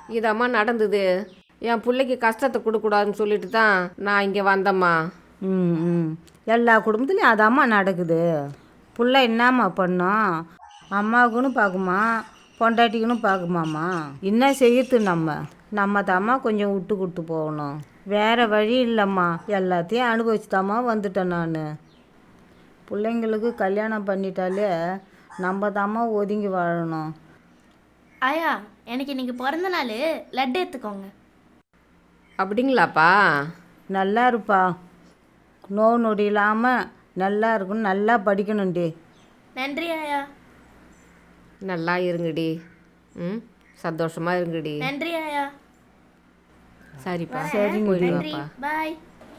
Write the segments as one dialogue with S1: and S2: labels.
S1: இதம்மா நடந்தது. என் பிள்ளைக்கு கஷ்டத்தை கொடுக்கூடாதுன்னு சொல்லிட்டு தான் நான் இங்கே வந்தேம்மா.
S2: ம் ம் எல்லா குடும்பத்துலேயும் அதாம்மா நடக்குது. புள்ள என்னம்மா பண்ணோம், அம்மாவுக்குன்னு பார்க்குமா பொண்டாட்டிக்குன்னு பார்க்குமாம்மா. என்ன செய்யறது நம்ம தாம்மா கொஞ்சம் விட்டு கொடுத்து போகணும். வேறு வழி இல்லைம்மா, எல்லாத்தையும் அனுபவிச்சுதாம்மா வந்துட்டேன் நான். பிள்ளைங்களுக்கு கல்யாணம் பண்ணிட்டாலே நம்ம தாம்மா ஒதுங்கி வாழணும்.
S3: ஆயா, எனக்கு இன்னைக்கு பிறந்த நாள், லட்டு எடுத்துக்கோங்க.
S1: அப்படிங்களாப்பா?
S2: நல்லா இருப்பா, நோய் நொடி இல்லாமல் நல்லா இருக்கணும், நல்லா படிக்கணும்டி.
S3: நன்றி ஆயா.
S1: நல்லா இருங்கடி. ம், சந்தோஷமா இருங்கடி.
S3: நன்றி ஆயா.
S1: சரிப்பா,
S2: சரிங்க.
S1: போயிட்டு
S3: நன்றி,
S1: வாப்பா.
S3: பாய்.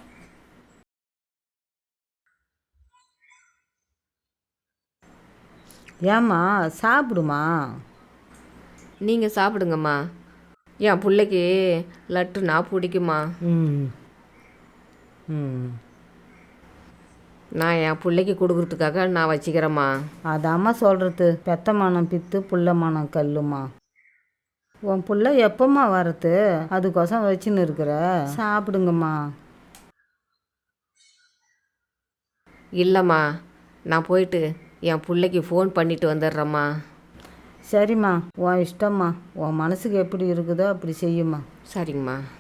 S2: ஏம்மா சாப்பிடுமா.
S1: நீங்கள் சாப்பிடுங்கம்மா. என் பிள்ளைக்கு லட்டுனா பிடிக்குமா.
S2: ம் ம்
S1: நான் என் பிள்ளைக்கு கொடுக்குறதுக்காக நான் வச்சுக்கிறேம்மா.
S2: அதாம்மா சொல்கிறது, பெத்த மனம் பித்து புள்ள மனம் கல்லுமா. உன் புள்ள எப்பம்மா வரது, அதுக்கோசம் வச்சுன்னு இருக்கிற. சாப்பிடுங்கம்மா.
S1: இல்லைம்மா, நான் போயிட்டு என் பிள்ளைக்கு ஃபோன் பண்ணிட்டு வந்துடுறேம்மா.
S2: சரிம்மா, உன் இஷ்டம்மா, உன் மனசுக்கு எப்படி இருக்குதோ அப்படி செய்யுமா.
S1: சரிங்கம்மா.